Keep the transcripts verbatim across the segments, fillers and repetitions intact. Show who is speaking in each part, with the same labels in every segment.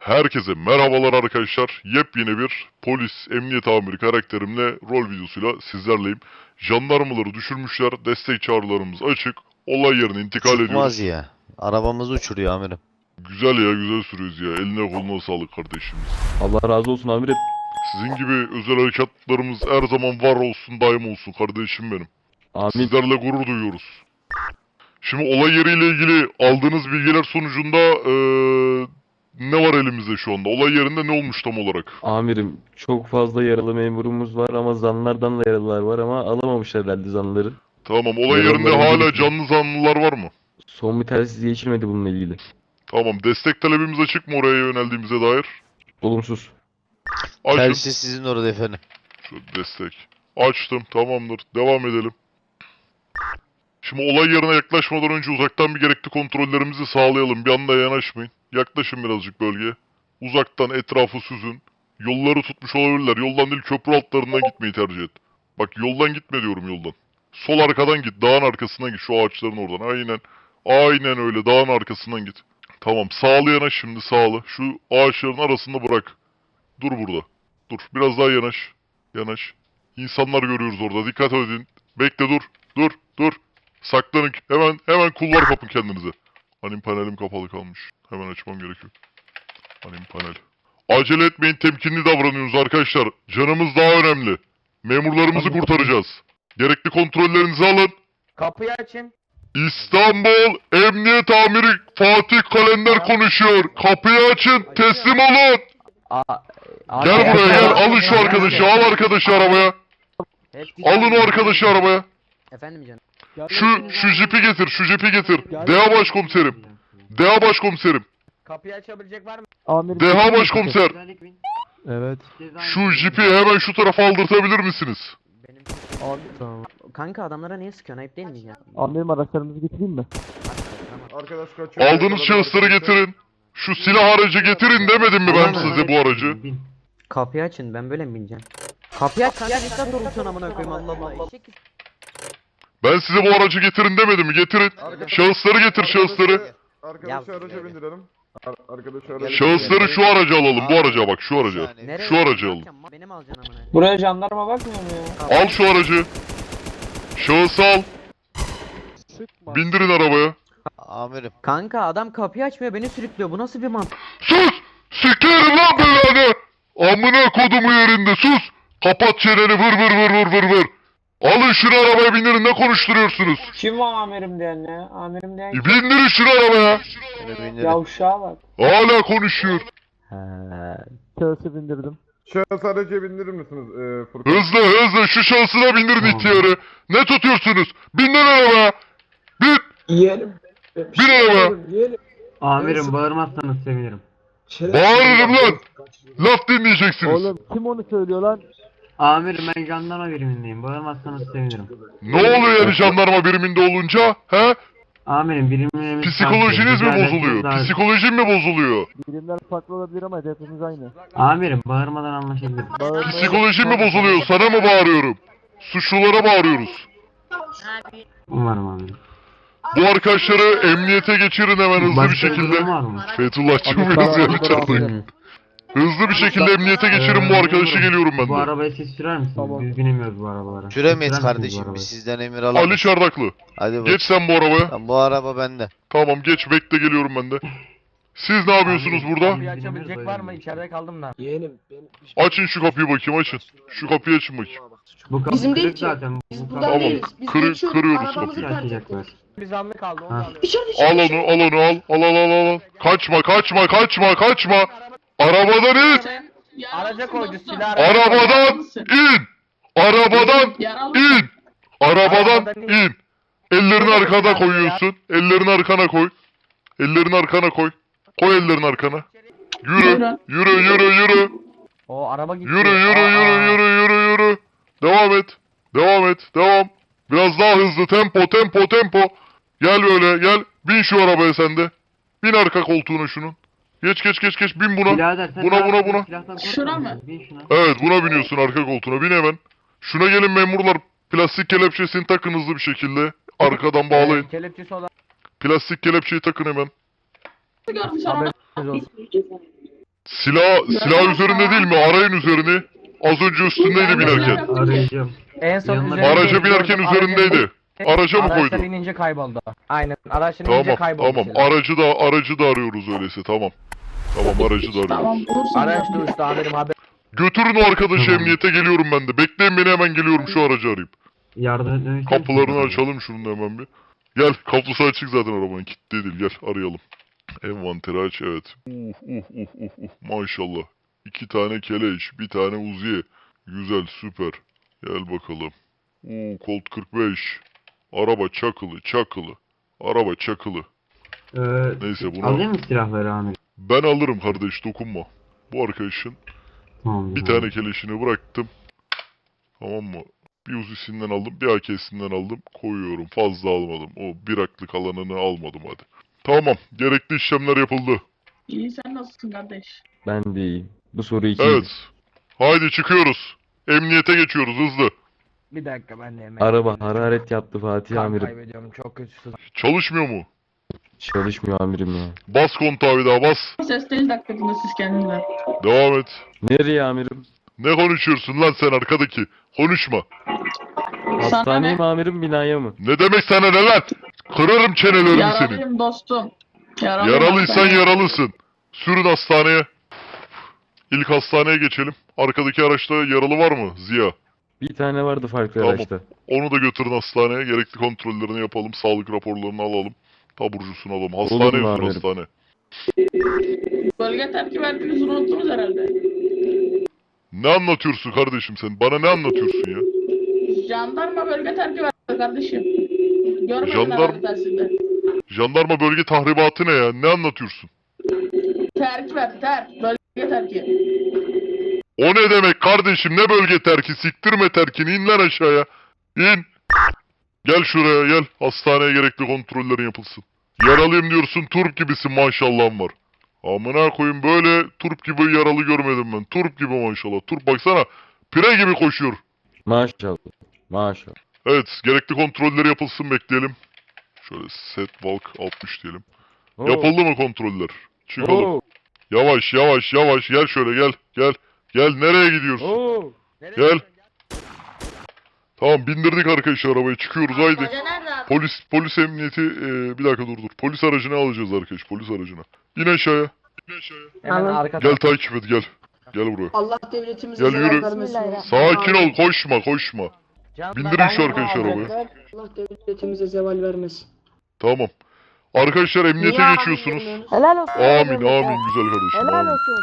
Speaker 1: Herkese merhabalar arkadaşlar. Yepyeni bir polis, emniyet amiri karakterimle rol videosuyla sizlerleyim. Jandarmaları düşürmüşler. Destek çağrılarımız açık. Olay yerine intikal ediyoruz.
Speaker 2: Çıkmaz ya. Arabamızı uçuruyor amirim.
Speaker 1: Güzel ya, güzel sürüyoruz ya. Eline koluna sağlık kardeşimiz.
Speaker 3: Allah razı olsun amirim.
Speaker 1: Sizin gibi özel harekatlarımız her zaman var olsun, daim olsun kardeşim benim.
Speaker 3: Amin.
Speaker 1: Sizlerle gurur duyuyoruz. Şimdi olay yeriyle ilgili aldığınız bilgiler sonucunda eee, ne var elimizde şu anda? Olay yerinde ne olmuş tam olarak?
Speaker 3: Amirim çok fazla yaralı memurumuz var ama zanlardan da yaralılar var ama alamamışlar herhalde zanları.
Speaker 1: Tamam, olay
Speaker 3: Yaralılar
Speaker 1: yerinde hala
Speaker 3: ilgili-
Speaker 1: canlı zanlılar var mı?
Speaker 3: Son bir telsiz geçilmedi bununla ilgili.
Speaker 1: Tamam, destek talebimiz açık mı oraya yöneldiğimize dair?
Speaker 3: Olumsuz.
Speaker 1: Açın.
Speaker 2: Telsiz sizin orada efendim.
Speaker 1: Şu destek. Açtım, tamamdır. Devam edelim. Şimdi olay yerine yaklaşmadan önce uzaktan bir gerekli kontrollerimizi sağlayalım. Bir anda yanaşmayın. Yaklaşın birazcık bölgeye. Uzaktan etrafı süzün. Yolları tutmuş olabilirler. Yoldan değil, köprü altlarından gitmeyi tercih et. Bak, yoldan gitme diyorum, yoldan. Sol arkadan git. Dağın arkasından git. Şu ağaçların oradan. Aynen. Aynen öyle. Dağın arkasından git. Tamam. Sağlı yanaş şimdi, sağlı. Şu ağaçların arasında bırak. Dur burada. Dur. Biraz daha yanaş. Yanaş. İnsanlar görüyoruz orada. Dikkat edin. Bekle, dur. Dur. Dur. Saklanın. Hemen hemen kulvar kapın kendinize. Anim panelim kapalı kalmış. Hemen açmam gerekiyor. Anim panel. Acele etmeyin. Temkinli davranıyoruz arkadaşlar. Canımız daha önemli. Memurlarımızı kurtaracağız. Gerekli kontrollerinizi alın.
Speaker 4: Kapıyı açın.
Speaker 1: İstanbul Emniyet Amiri Fatih Kalender konuşuyor. Kapıyı açın. Teslim olun.
Speaker 4: Aa,
Speaker 1: Gel buraya gel. Alın şu arkadaşı. Al arkadaşı arabaya. Alın o arkadaşı arabaya.
Speaker 4: Efendim canım.
Speaker 1: Şu şu jipi getir. Şu jipi getir. Deha başkomiserim. Deha başkomiserim.
Speaker 4: Kapıyı açabilecek var mı?
Speaker 1: Deha başkomiser.
Speaker 3: Evet.
Speaker 1: Şu jipi hemen şu tarafa aldırtabilir misiniz?
Speaker 4: Benim
Speaker 5: Abi tamam.
Speaker 4: kanka adamlara niye sıkıyorsun? Ayıp değil mi ya?
Speaker 5: Amirim araçlarımızı getireyim mi?
Speaker 6: Arkadaş kaçıyor.
Speaker 1: Aldığınız şahısları getirin. Şu silah aracı getirin demedim mi ben size bu aracı?
Speaker 4: Kapıyı açın, ben böyle mi bineceğim? Kapıyı aç kanka, ne kadar doğrultuyorsun amına koyayım, Allah Allah. Eşek.
Speaker 1: Ben size bu aracı getirin demedim mi? Getirin. Şahısları getir, şahısları.
Speaker 6: Arkadaşı
Speaker 4: Ya-
Speaker 6: araca bindirelim. Ar- Arkadaşı araca
Speaker 1: Şahısları şu araca alalım. Bu araca bak, şu araca.
Speaker 4: Nereye
Speaker 1: Şu aracı alın.
Speaker 4: bakacağım? Benim alacaksın amına.
Speaker 7: Buraya jandarma bakmıyor mu ya?
Speaker 1: Al şu aracı. Şahısı al. Bindirin arabaya.
Speaker 2: Amirim.
Speaker 4: Kanka adam kapıyı açmıyor, beni sürüklüyor. Bu nasıl bir mantık?
Speaker 1: Sus! Sikerim lan belanı! Amına kodumu yerinde, sus! Kapat çeneni, vır vır vır vır vır vır! Alın şunu arabaya, bindirin, ne konuşturuyorsunuz?
Speaker 7: Kim o amirim diyen ya? Amirim diyen
Speaker 1: E,
Speaker 7: kim?
Speaker 1: bindirin şunu arabaya!
Speaker 2: Beni bindirin.
Speaker 7: Yavşağa bak.
Speaker 1: Hala konuşuyor.
Speaker 4: He.
Speaker 5: Kağısı bindirdim.
Speaker 6: Şahıs araca bindirir misiniz ee, Furkan?
Speaker 1: Hızlı hızlı şu şahsına bindirin ihtiyarı. Ne tutuyorsunuz? Binin arabaya! Bin!
Speaker 7: Yiyelim.
Speaker 1: Bin arabaya!
Speaker 7: Amirim bağırmazsanız sevinirim.
Speaker 1: Bağırırım lan! Laf dinleyeceksiniz.
Speaker 5: Oğlum kim onu söylüyor lan?
Speaker 7: Amirim ben jandarma birimindeyim. Bağırmazsanız sevinirim.
Speaker 1: Ne oluyor yani jandarma biriminde olunca? He?
Speaker 7: Amirim birimimiz...
Speaker 1: Psikolojiniz mi bozuluyor?
Speaker 7: Daha...
Speaker 1: Psikolojin mi bozuluyor?
Speaker 5: Birimler farklı olabilir ama hedefimiz aynı.
Speaker 7: Amirim bağırmadan anlaşabiliriz.
Speaker 5: Bağırma.
Speaker 1: Psikolojin mi bozuluyor? Sana mı bağırıyorum? Suçlulara bağırıyoruz.
Speaker 7: Umarım amirim.
Speaker 1: Bu arkadaşları emniyete geçirin hemen hızlı bir
Speaker 7: Başka
Speaker 1: şekilde.
Speaker 7: durum var mı?
Speaker 1: Fethullahçı
Speaker 5: Abi,
Speaker 1: mıyız
Speaker 5: tamam,
Speaker 1: ya
Speaker 5: tamam.
Speaker 1: içeride? Hızlı bir şekilde emniyete geçirin bu arkadaşı, geliyorum ben
Speaker 7: Bu
Speaker 1: de.
Speaker 7: arabayı siz sürer misiniz?
Speaker 5: Tamam.
Speaker 7: Biz binemiyoruz bu arabalara.
Speaker 2: Süremeyiz
Speaker 7: Siz sürer misiniz bu
Speaker 2: kardeşim.
Speaker 7: arabayı?
Speaker 2: Biz sizden emir
Speaker 1: Ali
Speaker 2: alamayız.
Speaker 1: Çardaklı.
Speaker 2: Hadi bak.
Speaker 1: Geç sen bu arabaya.
Speaker 2: Tamam, bu araba bende.
Speaker 1: Tamam geç, bekle, geliyorum ben de. Siz ne yapıyorsunuz
Speaker 7: Abi,
Speaker 1: burada?
Speaker 4: Kapıyı açabilecek var mı? İçeride kaldım da.
Speaker 1: Açın şu kapıyı bakayım, açın. Şu kapıyı açın bakayım.
Speaker 7: Bu kapı
Speaker 8: Bizim değil
Speaker 7: kırık
Speaker 8: ki.
Speaker 7: zaten.
Speaker 8: Biz
Speaker 7: Bu
Speaker 8: buradan
Speaker 7: kapı-
Speaker 1: Tamam,
Speaker 8: değiliz. Biz
Speaker 1: kırı-
Speaker 8: geçiyoruz,
Speaker 1: kırıyoruz
Speaker 8: arabamızı
Speaker 1: kapıyı.
Speaker 8: terk
Speaker 7: Açacaklar.
Speaker 8: ettik.
Speaker 4: Bir zanlı kaldı, onu
Speaker 7: Ha.
Speaker 4: alıyorum.
Speaker 8: Dışarı dışarı
Speaker 1: Al onu,
Speaker 8: dışarı.
Speaker 1: al onu, al. Al al al al. Kaçma, kaçma, kaçma, kaçma. Arabadan in.
Speaker 4: Araca koydu silah. araca koydu.
Speaker 1: Arabadan in. Arabadan in. Arabadan in. Ellerini arkana koyuyorsun. Ellerini arkana koy. Ellerini arkana koy. Koy ellerini arkana. Yürü, yürü, yürü, yürü.
Speaker 4: O araba gitti.
Speaker 1: Yürü, yürü, yürü, yürü, yürü, yürü. Devam et. Devam et. Devam. Biraz daha hızlı. Tempo, tempo, tempo. Gel böyle, gel. Bin şu arabaya sen de. Bin arka koltuğuna şunun. Geç, geç, geç, geç. Bin buna.
Speaker 7: Birader sen
Speaker 1: Buna,
Speaker 7: ne
Speaker 1: buna,
Speaker 7: yapıyorsun?
Speaker 1: buna.
Speaker 7: Silahtan
Speaker 8: Şuna
Speaker 7: korkmuyor
Speaker 8: mı?
Speaker 7: musun? Bin şuna.
Speaker 1: Evet, buna biniyorsun arka koltuğuna. Bin hemen. Şuna gelin memurlar. Plastik kelepçesini takın hızlı bir şekilde. Arkadan bağlayın.
Speaker 4: Ee, Kelepçesi olan.
Speaker 1: Plastik kelepçeyi takın hemen.
Speaker 8: Görmüş araba.
Speaker 4: Haberiniz olsun.
Speaker 1: Silah, silah üzerinde değil mi? Arayın üzerini. Az önce üstündeydi binerken.
Speaker 7: Arayacağım.
Speaker 4: En son
Speaker 7: Yanına-
Speaker 4: üzerinde
Speaker 1: Araca binerken
Speaker 4: gördüm.
Speaker 1: üzerindeydi. Araca mı
Speaker 4: Araçtan
Speaker 1: koydu?
Speaker 4: inince kayboldu. Aynen. Araçtan inince
Speaker 1: Tamam,
Speaker 4: kayboldu.
Speaker 1: tamam.
Speaker 4: silah.
Speaker 1: Aracı da aracı da arıyoruz öyleyse. Tamam. Tamam, aracı da arıyoruz.
Speaker 4: Araç da uçtu amirim haber.
Speaker 1: Götürün o arkadaşı
Speaker 7: Tamam.
Speaker 1: emniyete, geliyorum ben de. Bekleyin beni, hemen geliyorum, şu aracı arayıp.
Speaker 7: Yardım etmemi ister misin?
Speaker 1: Kapılarını açalım şunun da hemen bir. Gel, kapısı açık zaten arabanın, kilitli değil, gel arayalım. Envanteri aç, evet. Uh uh uh uh uh maşallah. İki tane keleş, bir tane uziye. Güzel, süper. Gel bakalım. Uh Colt kırk beş. Araba çakılı çakılı. Araba çakılı.
Speaker 7: Ee,
Speaker 1: Neyse bunu
Speaker 7: Alayım mı silahları amirim?
Speaker 1: ben alırım kardeş, dokunma. Bu arkadaşın
Speaker 7: Tamam.
Speaker 1: bir tane keleşini bıraktım. Tamam mı? Bir uzisinden aldım, bir A K'sinden aldım. Koyuyorum. Fazla almadım. O bir aklık alanını almadım hadi. Tamam. Gerekli işlemler yapıldı.
Speaker 8: İyi sen nasılsın kardeş?
Speaker 3: Ben de iyiyim. Bu soru iki.
Speaker 1: Evet. Haydi çıkıyoruz. Emniyete geçiyoruz hızlı.
Speaker 4: Bir dakika ben de hemen.
Speaker 3: Araba hararet yaptı Fatih
Speaker 4: Kan
Speaker 3: amirim.
Speaker 4: kaybediyorum çok kötü.
Speaker 1: Çalışmıyor mu?
Speaker 3: Çalışmıyor amirim ya.
Speaker 1: Bas kontağı bir daha bas.
Speaker 8: Ses değil dakikasında siz kendinle.
Speaker 1: Devam et.
Speaker 3: Nereye amirim?
Speaker 1: Ne konuşuyorsun lan sen arkadaki? Konuşma.
Speaker 3: Hastaneye
Speaker 8: ne?
Speaker 3: mi amirim, binaya mı?
Speaker 1: Ne demek sana ne lan? Kırarım çenelerini senin.
Speaker 8: Yaralıyım dostum. Yaralıyım
Speaker 1: Yaralıysan
Speaker 8: hastaneye.
Speaker 1: yaralısın. Sürün hastaneye. İlk hastaneye geçelim. Arkadaki araçta yaralı var mı Ziya?
Speaker 3: Bir tane vardı farklı
Speaker 1: Tamam.
Speaker 3: araçta.
Speaker 1: Onu da götürün hastaneye. Gerekli kontrollerini yapalım. Sağlık raporlarını alalım. Taburcusunu alalım.
Speaker 3: Olur
Speaker 1: Hastaneye
Speaker 3: mu
Speaker 1: sür
Speaker 3: amirim?
Speaker 1: hastane.
Speaker 8: Bölge terk verdiniz unuttunuz herhalde.
Speaker 1: Ne anlatıyorsun kardeşim sen? Bana ne anlatıyorsun ya?
Speaker 8: Jandarma bölge terki verdi kardeşim. Görmedin
Speaker 1: Jandarm-
Speaker 8: herhalde tersinde.
Speaker 1: Jandarma bölge tahribatı ne ya? Ne anlatıyorsun?
Speaker 8: Terk verdi terk. Bölge terki.
Speaker 1: O ne demek kardeşim? Ne bölge terki? Siktirme terkini. İn lan aşağıya. İn. Gel şuraya gel. Hastaneye gerekli kontrollerin yapılsın. Yaralıyım diyorsun. Turp gibisin, maşallahın var. Amına koyayım, böyle turp gibi yaralı görmedim ben. Turp gibi maşallah. Turp baksana. Pire gibi koşuyor.
Speaker 3: Maşallah. Maşallah.
Speaker 1: Evet, gerekli kontrolleri yapılsın, bekleyelim. Şöyle set walk altmış diyelim.
Speaker 3: Oo,
Speaker 1: Yapıldı mı kontroller? Çıkalım.
Speaker 3: oo,
Speaker 1: Yavaş yavaş yavaş gel şöyle gel gel. Gel, nereye gidiyorsun?
Speaker 3: oo.
Speaker 1: Gel. Tamam, bindirdik arkadaşlar arabaya, çıkıyoruz haydi.
Speaker 8: Hoca nerede abi?
Speaker 1: Polis polis emniyeti eee, bir dakika dur dur. Polis aracını alacağız arkadaş, polis aracına. İn aşağıya.
Speaker 4: Hemen arka
Speaker 1: Gel takip et gel. Gel buraya.
Speaker 8: Allah devletimize
Speaker 1: Gel,
Speaker 8: zarar
Speaker 1: yürü.
Speaker 8: vermesin.
Speaker 1: Sakin ol, koşma koşma.
Speaker 4: Can-
Speaker 1: Bindirin şu arkadaşı arabaya.
Speaker 8: Allah devletimize zeval vermesin.
Speaker 1: Tamam. Arkadaşlar emniyete
Speaker 8: Niye
Speaker 1: geçiyorsunuz.
Speaker 8: abi
Speaker 5: Helal olsun.
Speaker 1: Amin amin güzel kardeşim.
Speaker 5: Helal
Speaker 1: Amin.
Speaker 5: olsun.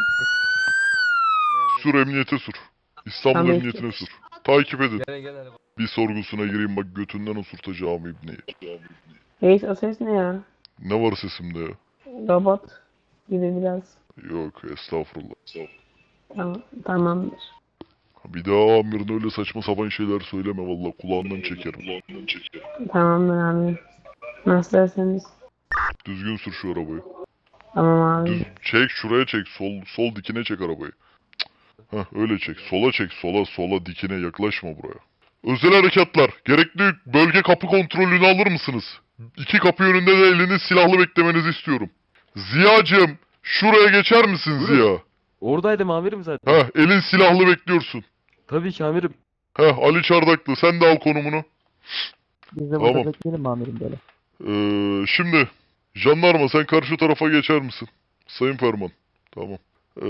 Speaker 1: Sür emniyete sür. İstanbul
Speaker 8: Tamam.
Speaker 1: emniyetine sür. Takip edin. Bir sorgusuna gireyim bak, götünden osurtacağım ibneyi.
Speaker 9: Reis o ses ne ya?
Speaker 1: Ne var sesimde ya?
Speaker 9: Robot gibi biraz.
Speaker 1: Yok estağfurullah.
Speaker 9: Tamam, tamamdır.
Speaker 1: Bir daha amirine öyle saçma sapan şeyler söyleme valla, kulağından çekerim.
Speaker 9: Tamamdır abi. Nasıl derseniz.
Speaker 1: Düzgün sür şu arabayı.
Speaker 9: Tamam
Speaker 1: Düz
Speaker 9: abi.
Speaker 1: çek, şuraya çek, sol sol dikine çek arabayı. Cık. Heh, öyle çek, sola çek, sola sola dikine, yaklaşma buraya. Özel harekatlar, gerekli bölge kapı kontrolünü alır mısınız? İki kapı yönünde de eliniz silahlı beklemenizi istiyorum. Ziyacığım, şuraya geçer misin Ziya?
Speaker 3: Oradaydım amirim zaten.
Speaker 1: Heh, elin silahlı bekliyorsun.
Speaker 3: Tabii ki amirim.
Speaker 1: Heh, Ali Çardaklı, sen de al konumunu.
Speaker 5: Biz de burada
Speaker 1: Tamam.
Speaker 5: bekleyelim mi amirim böyle?
Speaker 1: Ee, şimdi, jandarma sen karşı tarafa geçer misin? Sayın Ferman. Tamam. Ee,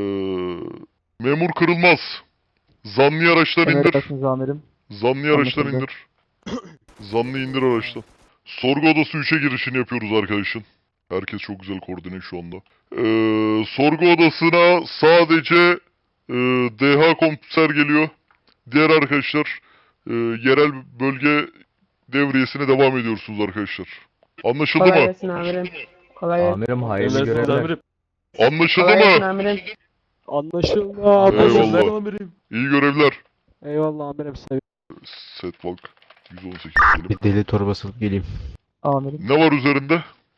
Speaker 1: memur Kırılmaz. Zanlı araçtan indir.
Speaker 5: Emredersiniz amirim.
Speaker 1: Zanlı araçtan
Speaker 5: Anlaşıldı.
Speaker 1: indir. Zanlı indir araçtan. Sorgu odası üçe girişini yapıyoruz arkadaşın. Herkes çok güzel koordine şu anda. Ee, sorgu odasına sadece e, D H komiser geliyor. Diğer arkadaşlar e, yerel bölge devriyesine devam ediyorsunuz arkadaşlar. Anlaşıldı
Speaker 9: Kolay
Speaker 1: mı?
Speaker 9: gelsin amirim. Kolay gelsin.
Speaker 4: Amirim hayırlı
Speaker 3: Emredersiniz
Speaker 4: görevler.
Speaker 3: amirim.
Speaker 1: Anlaşıldı
Speaker 9: Kolay gelsin
Speaker 1: mı?
Speaker 9: amirim.
Speaker 5: Anlaşıldı
Speaker 1: Eyvallah.
Speaker 3: Emredersiniz amirim.
Speaker 1: İyi görevler.
Speaker 5: Eyvallah amirim. Sev
Speaker 1: Setwalk yüz on sekiz diyelim.
Speaker 2: Bir deli torbası alıp geleyim.
Speaker 5: amirim.
Speaker 1: Ne var üzerinde?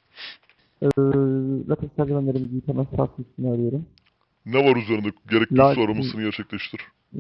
Speaker 5: Ee, Latif sergivenlerimizi yıkama sahası üstüne arıyorum.
Speaker 1: Ne var üzerinde? Gerekli
Speaker 5: Lakin-
Speaker 1: su aramasını gerçekleştir.
Speaker 5: Ee,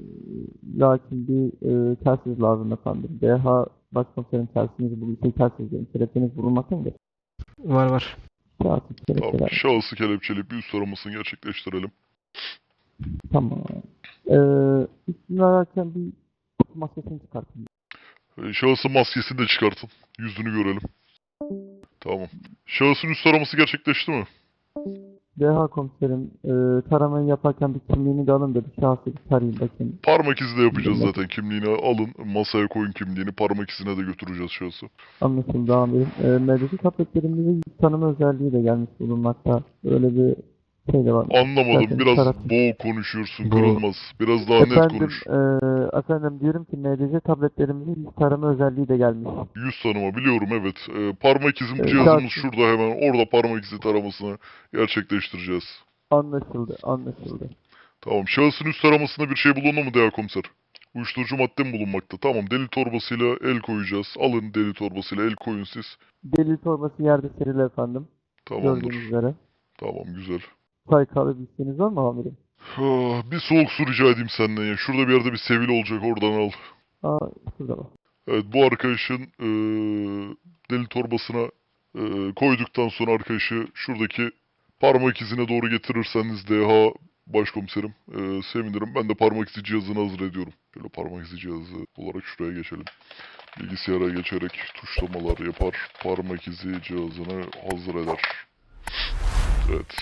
Speaker 5: lakin bir e, telsiz lazım efendim. D H başkomiserin telsizinizi buluyor. Şey telsizlerin kelepçeniz bulunmakta mıdır?
Speaker 9: Var var.
Speaker 5: Telsiz
Speaker 1: Tamam.
Speaker 5: kelepçeler.
Speaker 1: Şahısı kelepçeleyip bir üst aramasını gerçekleştirelim.
Speaker 5: Tamam. Ee, üstünü ararken bir maskesini çıkartın.
Speaker 1: Ee, Şahısın maskesini de çıkartın. Yüzünü görelim. Tamam. Şahısın üst araması gerçekleşti mi?
Speaker 5: D H komiserim, e, taramayı yaparken bir kimliğini de alın da bir şahsı bir tarayayım bakayım.
Speaker 1: Parmak izi de yapacağız zaten. Kimliğini alın. Masaya koyun kimliğini. Parmak izine de götüreceğiz şahsı.
Speaker 5: Anlaşıldı amirim. E, M D C tabletlerimizde yüz tanıma özelliği de gelmiş bulunmakta. Öyle bir şey de var.
Speaker 1: Anlamadım.
Speaker 5: Zaten
Speaker 1: Biraz
Speaker 5: taraf-
Speaker 1: boğuk konuşuyorsun.
Speaker 3: Bu-
Speaker 1: Kırılmaz. Biraz daha net
Speaker 5: Efendim,
Speaker 1: konuş.
Speaker 5: e, efendim diyorum ki M D C tabletlerimizin yüz tarama özelliği de gelmiş.
Speaker 1: Yüz tanıma biliyorum evet. Ee, parmak izim
Speaker 5: Evet,
Speaker 1: cihazımız
Speaker 5: şahsı-
Speaker 1: şurada hemen. Orada parmak izi taramasını gerçekleştireceğiz.
Speaker 5: Anlaşıldı, anlaşıldı.
Speaker 1: Tamam. Şahısın üst taramasında bir şey bulundu mu Deha komiser? Uyuşturucu madde mi bulunmakta? Tamam. Deli torbasıyla el koyacağız. Alın deli torbasıyla el koyun siz.
Speaker 5: Deli torbası yerde serili efendim.
Speaker 1: Tamamdır.
Speaker 5: Gördüğünüz üzere.
Speaker 1: Tamam güzel.
Speaker 5: Çay kahve bir isteğiniz var mı amirim?
Speaker 1: Ah, bir soğuk su rica edeyim senden ya. Şurada bir yerde bir sevili olacak oradan al.
Speaker 5: Aa, şurada bak.
Speaker 1: Evet bu arkadaşın eee, deli torbasına eee, koyduktan sonra arkadaşı şuradaki parmak izine doğru getirirseniz Deha başkomiserim eee, sevinirim. Ben de parmak izi cihazını hazır ediyorum. Şöyle parmak izi cihazı olarak şuraya geçelim. Bilgisayara geçerek tuşlamalar yapar. Parmak izi cihazını hazır eder. Evet.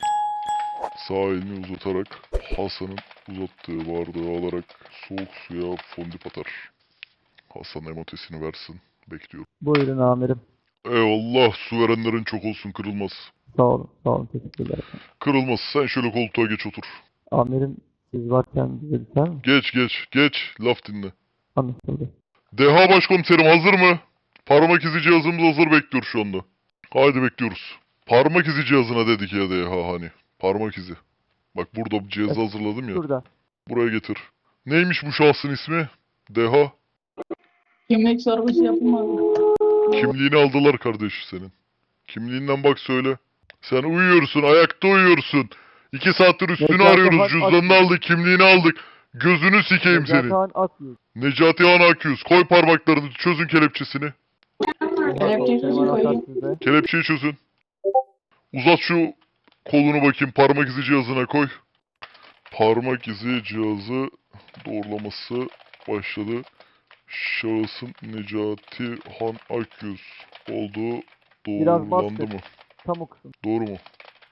Speaker 1: Sağ elini uzatarak Hasan'ın uzattığı bardağı alarak soğuk suya fondip atar. Hasan emotesini versin. Bekliyorum.
Speaker 5: Buyurun amirim.
Speaker 1: Eyvallah. Su verenlerin çok olsun. Kırılmaz.
Speaker 5: Sağ olun, sağ olun. Teşekkürler efendim.
Speaker 1: Kırılmaz. Sen şöyle koltuğa geç otur.
Speaker 5: Amirim siz varken bize biter mi?
Speaker 1: Geç geç. Geç. Laf dinle.
Speaker 5: Anlaşıldı.
Speaker 1: Deha başkomiserim hazır mı? Parmak izi cihazımız hazır bekliyor şu anda. Haydi bekliyoruz. Parmak izi cihazına dedik ya Deha hani. Parmak izi. Bak burada bu cihazı hazırladım ya.
Speaker 5: Şurada.
Speaker 1: Buraya getir. Neymiş bu şahsın ismi? Deha.
Speaker 8: Kimlik sorgusu yapılmadı.
Speaker 1: Kimliğini aldılar kardeş senin. Kimliğinden bak söyle. Sen uyuyorsun, ayakta uyuyorsun. İki saattir üstünü
Speaker 5: Necati
Speaker 1: arıyoruz,
Speaker 5: Han
Speaker 1: cüzdanını
Speaker 5: Akyüz.
Speaker 1: aldık, kimliğini aldık. Gözünü sikeyim
Speaker 5: Necati
Speaker 1: senin.
Speaker 5: Han Akyüz.
Speaker 1: Necati Han Akyüz, koy parmaklarını, çözün kelepçesini.
Speaker 8: Kelepçeyi çözün koyayım.
Speaker 5: Size.
Speaker 1: Kelepçeyi çözün. Uzat şu kolunu bakayım, parmak izi cihazına koy. Parmak izi cihazı doğrulaması başladı. Şahısın Necati Han Akyüz olduğu
Speaker 5: Biraz
Speaker 1: doğrulandı
Speaker 5: bastır.
Speaker 1: mı?
Speaker 5: Tam o kısım.
Speaker 1: Doğru mu?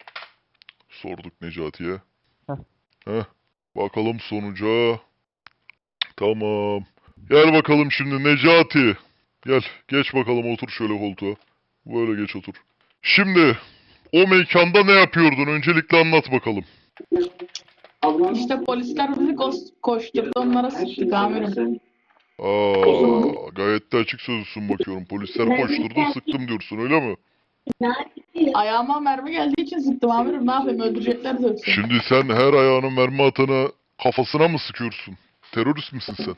Speaker 1: Sorduk Necati'ye.
Speaker 5: Heh.
Speaker 1: Heh. Bakalım sonuca. Tamam. Gel bakalım şimdi Necati. Gel. Geç bakalım otur şöyle koltuğa. Böyle geç otur. Şimdi o mekanda ne yapıyordun? Öncelikle anlat bakalım.
Speaker 8: İşte polisler bizi kos- koşturdu, onlara sıktık amirim.
Speaker 1: Aa, gayet de açık sözlüsün bakıyorum. Polisler koşturdu sıktım diyorsun öyle mi?
Speaker 8: Ayağıma mermi geldiği için sıktım amirim. Ne yapayım, öldürecekler yoksa.
Speaker 1: Şimdi sen her ayağının mermi atana kafasına mı sıkıyorsun? Terörist misin sen?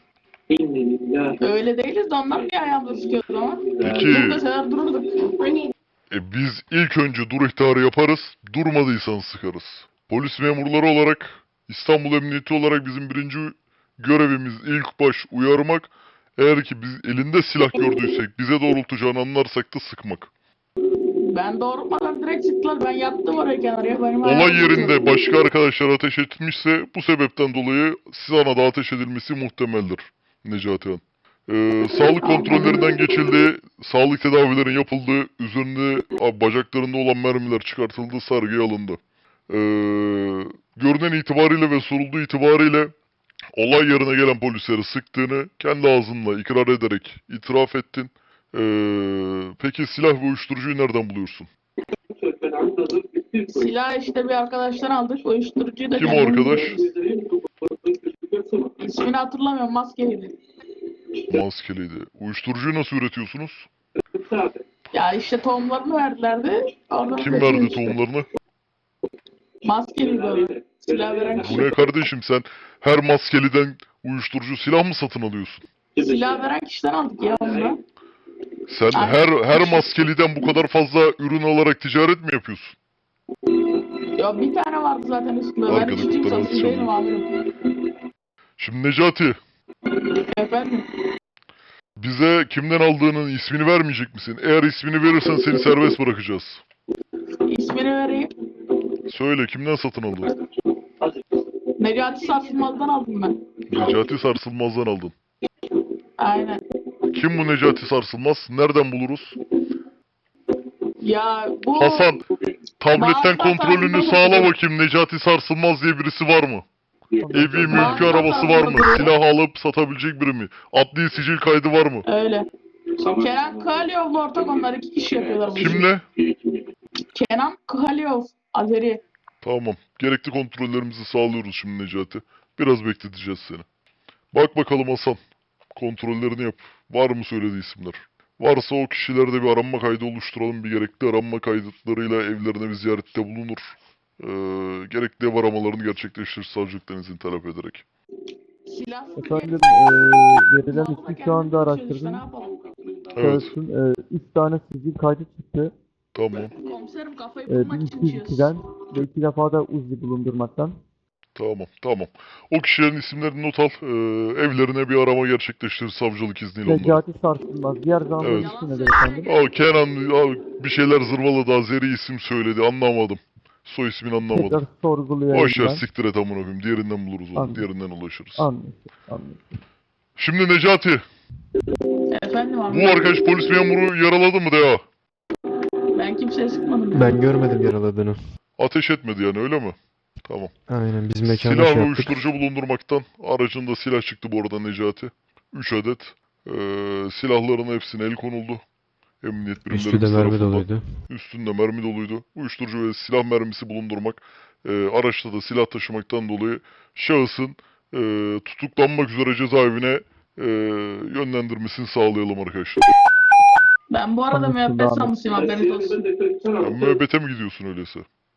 Speaker 8: Öyle değiliz de onlar bir ayağımda sıkıyordu ama.
Speaker 1: Peki.
Speaker 8: Dur deseler dururduk.
Speaker 1: E biz ilk önce dur ihtarı yaparız, durmadıysan sıkarız. Polis memurları olarak, İstanbul Emniyeti olarak bizim birinci görevimiz ilk baş uyarmak. Eğer ki biz elinde silah gördüysek, bize doğrultacağını anlarsak da sıkmak.
Speaker 8: Ben doğrultmadan direkt sıktılar. Ben yattım oraya kenarıya. Benim
Speaker 1: Olay
Speaker 8: ayağım
Speaker 1: yerinde
Speaker 8: sıkıyordu.
Speaker 1: başka arkadaşlar ateş etmişse bu sebepten dolayı sana da ateş edilmesi muhtemeldir Necati Han. Ee, sağlık kontrollerinden geçildi, sağlık tedavilerin yapıldığı, üzerinde a, bacaklarında olan mermiler çıkartıldı, sargıya alındı. Ee, görünen itibariyle ve sorulduğu itibariyle olay yerine gelen polisleri sıktığını kendi ağzınla ikrar ederek itiraf ettin. Ee, peki silah ve uyuşturucuyu nereden buluyorsun?
Speaker 8: Silah işte bir arkadaştan aldık. Uyuşturucuyu da
Speaker 1: Kim o
Speaker 8: kendimiz
Speaker 1: arkadaş?
Speaker 8: yapıyoruz. İsmini hatırlamıyorum. Maskeliydi.
Speaker 1: Maskeliydi. Uyuşturucuyu nasıl üretiyorsunuz?
Speaker 8: Ya işte tohumlarını verdilerdi. Oradan
Speaker 1: Kim
Speaker 8: üretiyoruz
Speaker 1: verdi
Speaker 8: işte.
Speaker 1: tohumlarını?
Speaker 8: Maskeliydi o. Silah veren
Speaker 1: Bu
Speaker 8: kişi.
Speaker 1: ne kardeşim sen her maskeliden uyuşturucu silah mı satın alıyorsun?
Speaker 8: Silah veren kişiden aldık ya onu.
Speaker 1: Sen
Speaker 8: Aynen.
Speaker 1: her her maskeliden bu kadar fazla ürün alarak ticaret mi yapıyorsun?
Speaker 8: Ya bir tane vardı zaten üstünde. Ben
Speaker 1: Arkada
Speaker 8: içtiğim
Speaker 1: tutarız
Speaker 8: satın
Speaker 1: sonra.
Speaker 8: değilim amirim.
Speaker 1: Şimdi Necati,
Speaker 8: Efendim?
Speaker 1: bize kimden aldığının ismini vermeyecek misin? Eğer ismini verirsen seni serbest bırakacağız.
Speaker 8: İsmini vereyim.
Speaker 1: Söyle kimden satın aldın?
Speaker 8: Necati Sarsılmaz'dan aldım ben.
Speaker 1: Necati Sarsılmaz'dan aldın.
Speaker 8: Aynen.
Speaker 1: Kim bu Necati Sarsılmaz? Nereden buluruz?
Speaker 8: Ya bu
Speaker 1: Hasan, tabletten
Speaker 8: Bazı
Speaker 1: kontrolünü
Speaker 8: hatanızda
Speaker 1: sağla
Speaker 8: bulunur.
Speaker 1: bakayım. Necati Sarsılmaz diye birisi var mı? Evi, mülkü,
Speaker 8: Bazı
Speaker 1: arabası var mı?
Speaker 8: hatanızda
Speaker 1: Silah alıp satabilecek biri mi? Adli sicil kaydı var mı?
Speaker 8: öyle. Kenan Kıhalyov'la ortak, onlar iki kişi yapıyorlar bu işi.
Speaker 1: Kimle?
Speaker 8: Kenan Kıhalyov, Azeri.
Speaker 1: Tamam. Gerekli kontrollerimizi sağlıyoruz şimdi Necati. Biraz bekleteceğiz seni. Bak bakalım Hasan. Kontrollerini yap. Var mı söylediği isimler? Varsa o kişilerde bir aranma kaydı oluşturalım. Bir gerekli aranma kayıtlarıyla evlerine bir ziyarette bulunur. Ee, gerekli ev aramalarını gerçekleştirir savcılıktan izin talep ederek.
Speaker 8: Silahsız
Speaker 5: Efendim,
Speaker 8: bir-
Speaker 5: eee verilen
Speaker 8: Vallahi
Speaker 5: ismi şu anda
Speaker 8: kendimiz çalışıyoruz,
Speaker 5: araştırdım.
Speaker 8: ne yapalım?
Speaker 1: Evet.
Speaker 5: Şahısın eee, üç tane sicil kaydı çıktı.
Speaker 1: Tamam.
Speaker 8: Komiserim kafayı
Speaker 5: Eee
Speaker 8: bulmak
Speaker 5: bir
Speaker 8: için
Speaker 5: iki yüz
Speaker 8: içiyoruz.
Speaker 5: ikiden ve iki defa da Uzi bulundurmaktan.
Speaker 1: Tamam. Tamam. O kişilerin isimlerini not al. Ee, evlerine bir arama gerçekleştirir savcılık izniyle onları.
Speaker 5: Necati Sarsılmaz. Diğer zaman
Speaker 1: Evet.
Speaker 5: ismi nedir efendim?
Speaker 1: Aa, Kenan aa, bir şeyler zırvaladı. Azeri isim söyledi. Anlamadım. Soy ismini anlamadım.
Speaker 5: Tekrar sorgulayayım
Speaker 1: Boş ver
Speaker 5: ben.
Speaker 1: siktir et amına koyayım. Diğerinden buluruz onu.
Speaker 5: Anladım.
Speaker 1: Diğerinden ulaşırız.
Speaker 5: Anlaşıldı. Anlaşıldı.
Speaker 1: Şimdi Necati.
Speaker 8: Efendim abi.
Speaker 1: Bu arkadaş polis memuru yaraladı mı Deha?
Speaker 8: Ben kimseye sıkmadım.
Speaker 10: Ben görmedim yaraladığını.
Speaker 1: Ateş etmedi yani öyle mi? Tamam.
Speaker 10: Aynen biz mekanda
Speaker 1: Silah
Speaker 10: şey
Speaker 1: ve
Speaker 10: yaptık.
Speaker 1: uyuşturucu bulundurmaktan aracında silah çıktı bu arada Necati. üç adet. Ee, silahların hepsine el konuldu. Emniyet birimlerimiz
Speaker 10: Üstü de mermi
Speaker 1: tarafından.
Speaker 10: doluydu.
Speaker 1: Üstünde mermi doluydu. Uyuşturucu ve silah mermisi bulundurmak, e, araçta da silah taşımaktan dolayı şahısın e, tutuklanmak üzere cezaevine e, yönlendirmesini sağlayalım arkadaşlar.
Speaker 8: Ben bu arada
Speaker 5: Anlaşıldı
Speaker 8: müebbet
Speaker 5: abi.
Speaker 8: sanmışım, haberiniz olsun.
Speaker 1: Ya, müebbete mi gidiyorsun öyleyse?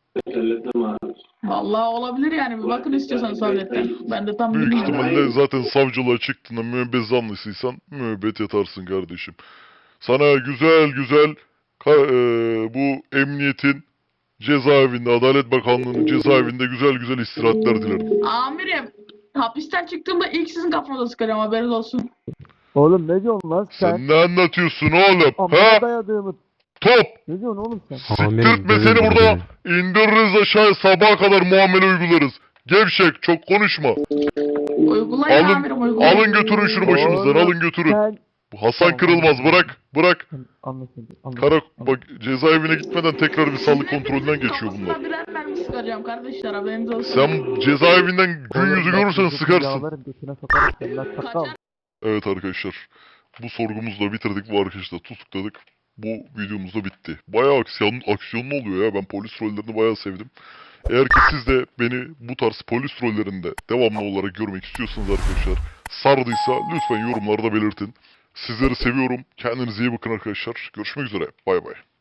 Speaker 8: Vallahi olabilir yani, bir bakın istiyorsanız savletten. Ben de tam
Speaker 1: Büyük
Speaker 8: bilmiyorum.
Speaker 1: ihtimalle zaten savcılığa çıktığında müebbet zanlısıysan müebbet yatarsın kardeşim. Sana güzel güzel ka- e, bu emniyetin cezaevinde, Adalet Bakanlığı'nın cezaevinde güzel güzel istirahatler dilerim.
Speaker 8: Amirim, hapisten çıktığımda ilk sizin kafanıza sıkarım, haberiniz olsun.
Speaker 5: Oğlum ne diyorsun lan sen?
Speaker 1: Sen ne anlatıyorsun oğlum?
Speaker 5: Amına
Speaker 1: Ha?
Speaker 5: dayadığımı.
Speaker 1: Top!
Speaker 5: Ne diyorsun oğlum sen?
Speaker 1: Siktirtme
Speaker 10: Amirim,
Speaker 1: seni
Speaker 10: dövüyorum
Speaker 1: burada.
Speaker 10: beni.
Speaker 1: İndiririz aşağıya, sabaha kadar muamele uygularız. Gevşek, çok konuşma.
Speaker 8: Uygulayın
Speaker 1: Alın,
Speaker 8: amirim, uygulayın.
Speaker 1: alın götürün şunu başımızdan,
Speaker 5: Oğlum,
Speaker 1: alın götürün.
Speaker 5: Sen...
Speaker 1: Bu Hasan
Speaker 5: Tamam,
Speaker 1: Kırılmaz,
Speaker 5: tamam.
Speaker 1: bırak, bırak.
Speaker 5: Anlaşıldı. Anlaşıldı.
Speaker 1: Kara,
Speaker 5: anlaşıldı.
Speaker 1: bak cezaevine gitmeden tekrar bir sağlık
Speaker 8: Sizin
Speaker 1: kontrolünden
Speaker 8: hepinizin
Speaker 1: geçiyor bunlar.
Speaker 8: kafasına birer mermi sıkacağım kardeşler, haberiniz olsun.
Speaker 1: Sen cezaevinden gün
Speaker 5: Oğlum,
Speaker 1: yüzü
Speaker 5: bak,
Speaker 1: görürsen
Speaker 5: çocuk
Speaker 1: sıkarsın.
Speaker 5: yağlarım götüne sokarım seni lan çakal.
Speaker 8: Kaçar.
Speaker 1: Evet arkadaşlar, bu sorgumuzu da bitirdik, bu arkadaşı da tutukladık. Bu videomuz da bitti. Bayağı aksiyon, aksiyonlu oluyor ya, ben polis rollerini bayağı sevdim. Eğer ki siz de beni bu tarz polis rollerinde devamlı olarak görmek istiyorsanız arkadaşlar, sardıysa lütfen yorumlarda belirtin. Sizleri seviyorum, kendinize iyi bakın arkadaşlar. Görüşmek üzere, bay bay.